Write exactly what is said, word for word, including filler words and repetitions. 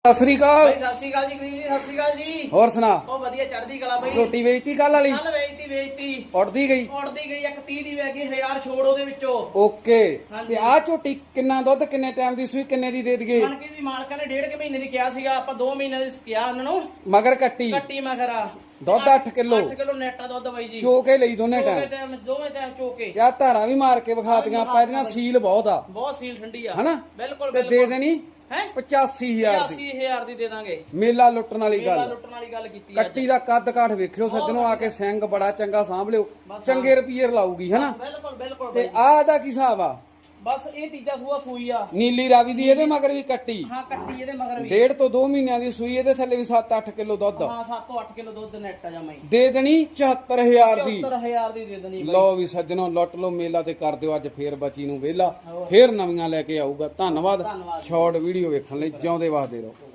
ਸਤਿ ਸ੍ਰੀ ਅਕਾਲ ਭਾਈ ਸਤਿ ਸ੍ਰੀ ਅਕਾਲ ਜੀ ਗਰੀਬ ਜੀ ਸਤਿ ਸ੍ਰੀ ਅਕਾਲ ਜੀ। ਹੋਰ ਸੁਣਾ? ਉਹ ਵਧੀਆ ਚੜ੍ਹਦੀ ਕਲਾ ਬਈ। ਝੋਟੀ ਵੇਚਤੀ ਕੱਲ ਵਾਲੀ? ਕੱਲ ਵੇਚਤੀ ਵੇਚਤੀ ਉੜਦੀ ਗਈ ਉੜਦੀ ਗਈ ਇੱਕ ਤੀਹ ਦੀ ਵੇਚ ਗਈ ਹਜ਼ਾਰ ਛੋੜ ਉਹਦੇ ਵਿੱਚੋਂ। ਓਕੇ। ਹਾਂਜੀ। ਤੇ ਆਹ ਝੋਟੀ ਕਿੰਨਾ ਦੁੱਧ ਕਿੰਨੇ ਟਾਈਮ ਦੀ ਸੂਈ ਕਿੰਨੇ ਦੀ ਦੇ ਦਈਏ? ਮਨ ਕੇ ਵੀ ਮਾਲਕਾਂ ਨੇ ਡੇਢ ਕੁ ਮਹੀਨੇ ਦੀ ਕਿਹਾ ਸੀਗਾ, ਆਪਾਂ ਦੋ ਮਹੀਨੇ ਦੀ ਕਿਹਾ ਉਹਨਾਂ ਨੂੰ। ਮਗਰ ਕੱਟੀ ਕੱਟੀ ਮਗਰ ਆ ਦੁੱਧ ਅੱਠ ਕਿਲੋ ਅੱਠ ਕਿਲੋ ਨੈਟਾ ਦੁੱਧ ਬਾਈ ਜੀ। ਚੋਕੇ ਲਈ ਦੋਨੇ ਦੋਵੇਂ ਟਾਈਮ ਟਾਈਮ ਦੋਵੇਂ ਟਾਈਮ ਚੋਕੇ। ਯਾ ਧਾਰਾਂ ਵੀ ਮਾਰ ਕੇ ਵਿਖਾਤੀਆਂ ਆਪਾਂ, ਇਹਦੀਆਂ ਸੀਲ ਬਹੁਤ ਆ, ਬਹੁਤ ਸੀਲ ਠੰਡੀ ਆ ਹਨਾ? ਬਿਲਕੁਲ ਤੇ ਦੇ ਦੇਣੀ ਹੈ ਪਚਾਸੀ ਹਜ਼ਾਰ ਦੀ। ਪਚਾਸੀ ਹਜ਼ਾਰ ਦੀ ਦੇ ਦਾਂਗੇ। ਮੇਲਾ ਲੁੱਟਣ ਵਾਲੀ ਮੇਲਾ ਗੱਲ। ਲੁੱਟਣ ਵਾਲੀ ਗੱਲ ਕੀਤੀ ਕੱਟੀ ਦਾ ਕੱਦ ਕਾਠ ਵੇਖਿਓ ਸੱਜਣੋ, ਆ ਕੇ ਸਿੰਘ ਬੜਾ ਚੰਗਾ ਸਾਂਭ ਲਿਓ, ਚੰਗੇ ਰੁਪਈਏ ਲਾਊਗੀ, ਹਨਾ? ਬਿਲਕੁਲ ਬਿਲਕੁਲ ਤੇ ਆਹ ਦਾ ਕੀ ਹਿਸਾਬ ਆ? ਬਸ ਇਹ ਤੀਜਾ ਸੂਆ ਸੂਈ ਆ ਨੀਲੀ ਰਾਵੀ ਦੀ, ਇਹਦੇ ਮਗਰ ਵੀ ਕੱਟੀ। ਹਾਂ ਕੱਟੀ ਇਹਦੇ ਮਗਰ ਵੀ ਡੇਢ ਤੋਂ ਦੋ ਮਹੀਨਿਆਂ ਦੀ ਸੂਈ, ਇਹਦੇ ਥੱਲੇ ਵੀ ਸੱਤ ਅੱਠ ਕਿਲੋ ਦੁੱਧ। ਹਾਂ ਸੱਤ ਤੋਂ ਅੱਠ ਕਿਲੋ ਦੁੱਧ ਨੈਟ ਆ ਜਮਾਈ। ਦੇ ਦੇਣੀ ਚੁਹੱਤਰ ਹਜ਼ਾਰ ਦੀ। ਚੌਹੱਤਰ ਹਜ਼ਾਰ ਦੀ ਦੇ ਦੇਣੀ ਬਾਈ। ਲਓ ਵੀ ਸੱਜਣੋ, ਲੁੱਟ ਲਓ ਮੇਲਾ ਤੇ ਕਰ ਦਿਓ ਅੱਜ ਫੇਰ ਬੱਚੀ ਨੂੰ ਵਿਹਲਾ, ਫੇਰ ਨਵੀਆਂ ਲੈ ਕੇ ਆਊਗਾ। ਧੰਨਵਾਦ। ਧੰਨਵਾਦ। ਸ਼ਾਰਟ ਵੀਡੀਓ ਵੇਖਣ ਲਈ ਜਿਉਂਦੇ ਵਸਦੇ ਰਹੋ।